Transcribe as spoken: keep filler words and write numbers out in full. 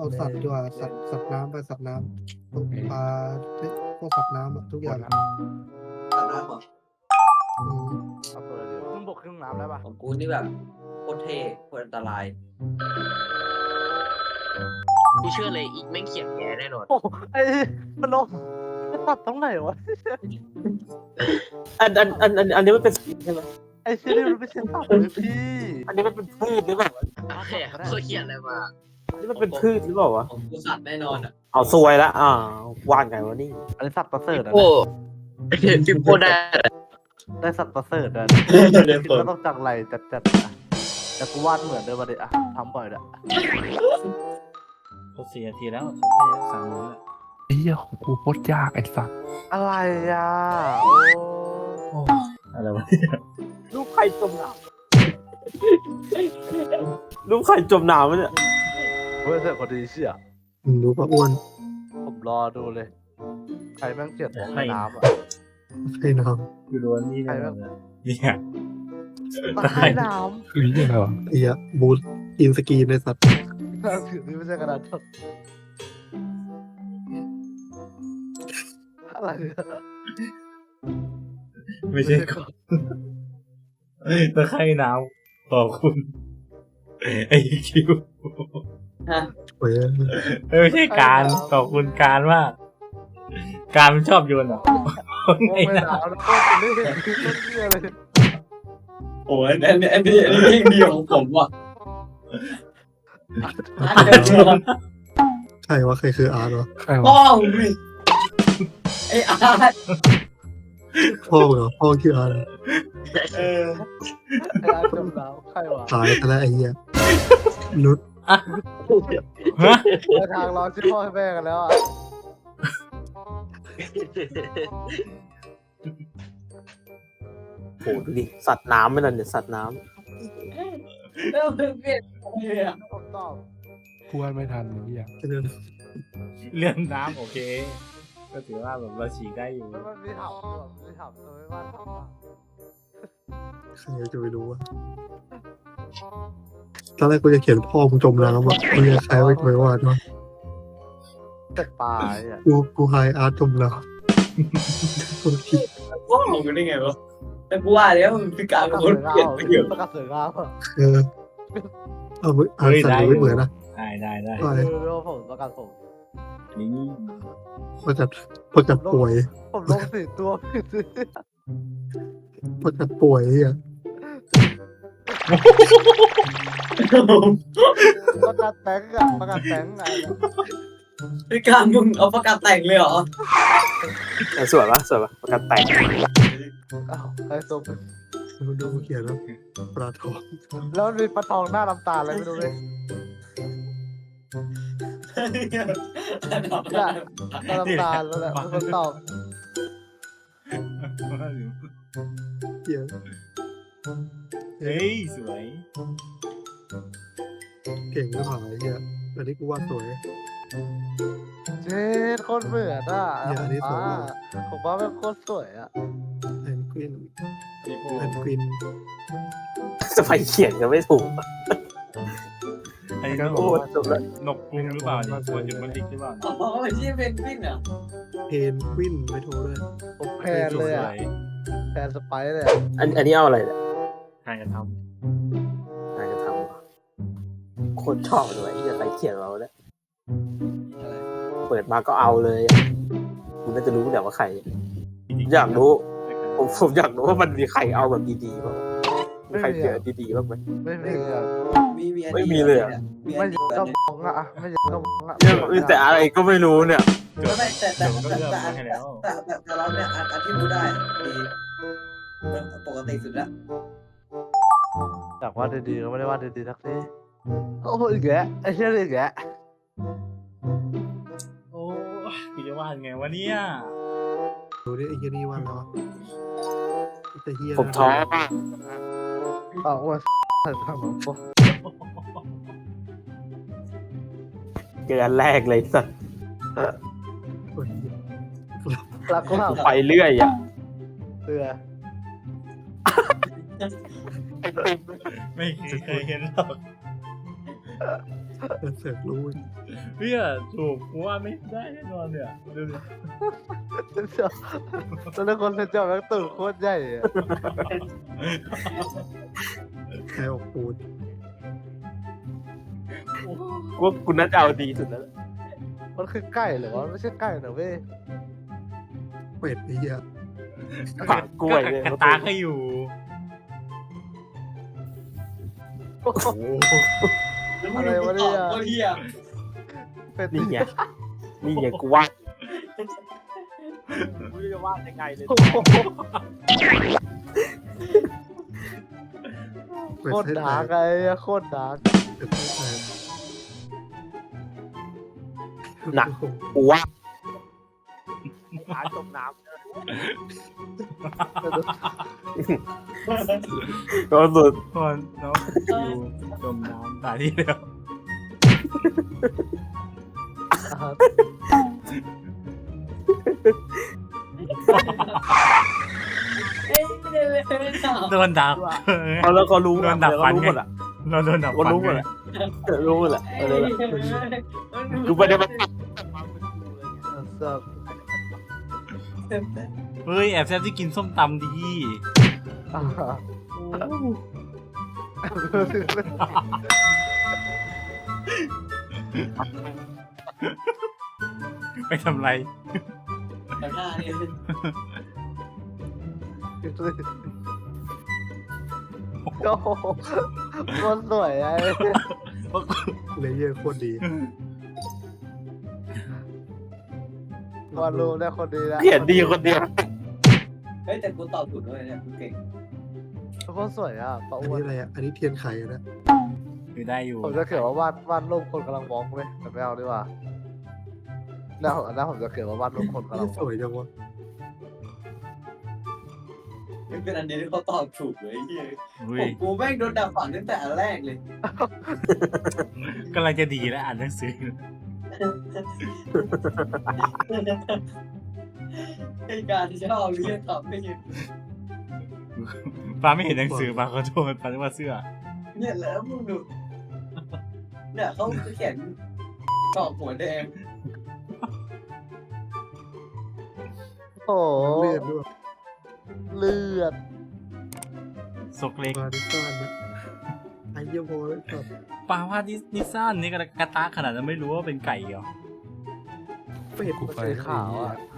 เอาสัตว์ดีกว่าสัตว์สัตว์น้ำไปสัตว์น้ำพวกปลาเฮ้ยพวกสัตว์น้ำอะทุกอย่างอะตัดน้ำเหรออืมเอาตัวอะไรดีครึ่งบกครึ่งน้ำได้ปะของกูนี่แบบโคตรเท่โคตรอันตรายกูเชื่อเลยอีกแม่งเขียนแกแน่นอนโอ้ไอ้มันลงมันตัดตรงไหนวะอันอันอันอันอันนี้มันเป็นใช่ไหมไอ้ที่นี่มันไม่ใช่ตัดเลยพี่อันนี้มันเป็นพืชหรือเปล่าอะไรอ่ะเขาเขียนอะไรมาอันนี้มันเป็นพืชหรือเปล่าวะของกูสัตว์แน่นอนอ่ะเอาซวยละอ่าว่านไงวะนี่อันนี้สัตว์ประเสริฐอะโอ้ฟิปโป้ได้ได้สัตว์ประเสริฐอะเล่นคิดเปิดว่าต้องจังไรจัดจัดๆอะแต่กูวาดเหมือนเดิมมาดิอะทำบ่อยอะก็สี่นาทีแล้วสามมื้อไอ้เหี้ยของกูโคตรยากไอ้สัสอะไรอะโอ้อะไรวะลูกไข่จมน้ำลูกไข่จมน้ำมันเนี่ยเฮ้ยเสร็จพอดีเชี่ยมึงรู้ปะอ้วนผมรอดูเลย ใครแม่งเกลียดตกน้ำอะใช่น้คือโดนนี่แน่นอนเลยเนี่ยตายน้คือเหี้ยอะไรวะำไอ้เหี้ยบูทอินสกรีนในสัตว์ำถือนี่ไม่ใช่กระดาษทดอะไรอะไม่ใช่ก่อนตะไคร่น้ำขอบคุณไอ้คิวโอ้ยไม่ใช่การขอบคุณการมากการมันชอบโยนเหรอโอ้ไม่หนาวนะโอ้ผมไม่เห็นคลิปต้นเหี้ยเลยโอ้ยอันนี้อันนี้อันนี้เพลงเดียวของผมว่ะใช่ว่าใครคืออาร์ตวะใครพ่อวะมึงดิไอ้อาร์ตพ่อมึงเหรอพ่อคืออาร์ตเหรอเออไอ้อาจมน้ำใครวะตายไปแล้วไอ้เหี้ยนุชฮะไปทางร้อนที่พ่อให้แม่กันแล้วอ่ะโหดูดิสัตว์น้ำไม่นั่นเนี่ยสัตว์น้แล้วมึงเปลี่ยนเลยอ่ะผมตอบกูวาดไม่ทันไอ้เหี้ยแค่นั้นเรื่องน้ำโอเค ก็ถือว่าแบบเราฉีกได้อยู่มันมันมีถามแบบมีถามตัวไม่ว่าถามว่าใครจะไปรู้วะตอนแรกกูจะเขียนพ่อมึงจมน้ำอ่ะไอ้เหี้ยใครไม่ไปวาดวะแต่ปลาอ่ะกูกูไฮอาร์ตจมน้ำคนคิดพ่อมึงได้ไงวะแต่กูว่าแล้วมันคือการเป็นคนเปลี่ยนไปเยอะประกาศเสือก้าวอ่ะเออเอามืออ่านสัตว์ไม่เหมือนนะได้ได้ได้ว่าเออแล้วผมประกาศผมนี่ประจัดประจัดป่วยผมลงสี่ตัวผิดสิประจัดป่วยอ่ะประกาศแตงอ่ะประกาศแตงอ่ะคือการมึงเอาประกาศแต่งเลยเหรอำแต่สวยปะสวยปะประกันแต่งอ้าวไอ้ส้มดูดูเขียนแล้วปลาทองแล้วมันมีปลาทองหน้าน้ำตาลอะไรไม่รู้เลยหน้าน้ำตาลแล้วแหละเป็นคนตอบเขียนเฮ้ยสวยเก่งก็หายเหี้ยอันนี้กูวาดสวยเจ๊โคตรเหมือนอ่ะอย่าอันนี้สวยมากผมว่าเป็นโคตรสวยอ่ะแพนกวินพี่โป้แพนกวินจะไปเขียนก็ไม่ถูกไอ้นกโอ้จบแล้วนกกรุงหรือเปล่าเนี่ยควรจะมันดิกหรือเปล่าอ๋อที่เพนกวินเหรอเพนกวินไม่โทรด้วยผมแพนเลยอ่ะแพนสไปซ์เลยอันอันนี้เอาอะไรเนี่ยใครจะทนายจะทำโคตรชอบเลยที่จะไปเขียนเราเนี่ยอะไรเปิดมาก็เอาเลยคุณน่าจะรู้แหละว่าใครำอยากรู้ ผมผมอยากรู้ว่ามันมีใครเอาแบบดีๆบ้างมีไม่ใครมีเขียนอ่ะดีๆบ้างไหมไม่มีอ่ะมีมีอันไม่นี้มีเลยเหรอมีอัไม่นอนี้ยากก็มองอ่ะไม่อยากก็มองอ่ะเนี่ยแต่อะไรก็ไม่รู้เนี่ยไม่ไม่แต่แต่เดี๋ยวมันก็แต่เลือกแต่มาให้แล้วแต่แต่แต่เราเนี่ยอันอันที่รู้ได้ดีปกติสุดละอยากวาดดีๆก็ไม่ได้วาดดีๆสักทีโอ้โหอีกแล้วไอ้เชี่ยอีกแล้วโอ้ยกูจะวาดไงวะเนี่ยดูดิไอ้เหี้ยนี่วาดแล้วอะแต่เฮียผมท้ออ้าวว่าใส่ทำแบบพวกเจออันแรกเลยสัตว์รักก็ทไปเรื่อยอ่ะำเสือไม่เคยเห็นหรอกเสือกรู้เพี่ยถูกกูว่าไม่ได้แน่นอนเนี่ยดูดิตอนนั้นคนเซนจอแม่งตื่นโคตรใหญ่อะใครออกปูนกูกูน่าจะเอาดีสุดแล้วมันคือไก่เหรอวะไม่ใช่ไก่นะเว้ยเป็ดไอ้เหี้ยผักกล้วยเนี่ยกระตาก็อยู่โอ้โหแล้วมึงดูกูตอบก็เฮียเป็นนี่ไงนี่ไงกูว่ากูจะวาดยังไงเลยเป็ดโคตรให้ดาแตร์กกไอ้โคตรดาร์กเป็ดให้แตกหนักกูว่าหาจมน้ำก็สุดก่อนน้องอยู่จมน้ำตายที่แล้ว โดนดับเขาแล้วก็รู้โดนดับฟันรู้ไงหมดอ่ะเราโดนดับก็ฟันรู้หมดไงอ่ะรู้หมดแหละอะไรล่ะกูไม่ได้มาตัดสับเฮ้ยแอบแซบที่กินส้มตำดีอ่าไปทำไรแต่หน้าเนี่ยโอ้โหโคตรสวยไอ้เลเยอร์โคตรดีวาดรูปได้คนดีแล้วเขียนดีคนเดียวเฮ้ยแต่กูตอบถูกด้วยเนี่ยกูเก่งโคตรสวยอ่ะปะอันอ้วนนี้อะไรอ่ะอันนี้เทียนไข่อะนะคือได้อยู่ผมจะเขียนว่าวาดวาดรูปคนกำลังมองเลยแต่ไม่เอาดีกว่าหน้าผมหน้าผมจะเขียนว่าวาดรูปคนกำลังมสองวยจังวะไม่เป็นอันเดียวที่เขาตอบถูกเลยไอ้เฮียเฮ้ผยมกูแม่งโดนด่าฝังตั้งแต่อันแรกเลยกำลังจะดีแล้วอ่านหนังสือไอ้การที่ชอบเรียกตอบไม่เห็นฟ้าไม่เห็นหนังสือฟ้าขอโทษฟ้าจะว่าเสื้อเนี่ยแล้วมึงดูเนี่ยเขาเขียนกรอบหัวแดงโอ้โหเลือดด้วยเลือดซกเล็กมาดิซ่านนะไอ้เยี่ยมโว้ยครับปลาว่านิซ่านนี่กระตาขนาดนั้นไม่รู้ว่าเป็นไก่เหรอเป็ดกูไปสีขาวอ่ะไ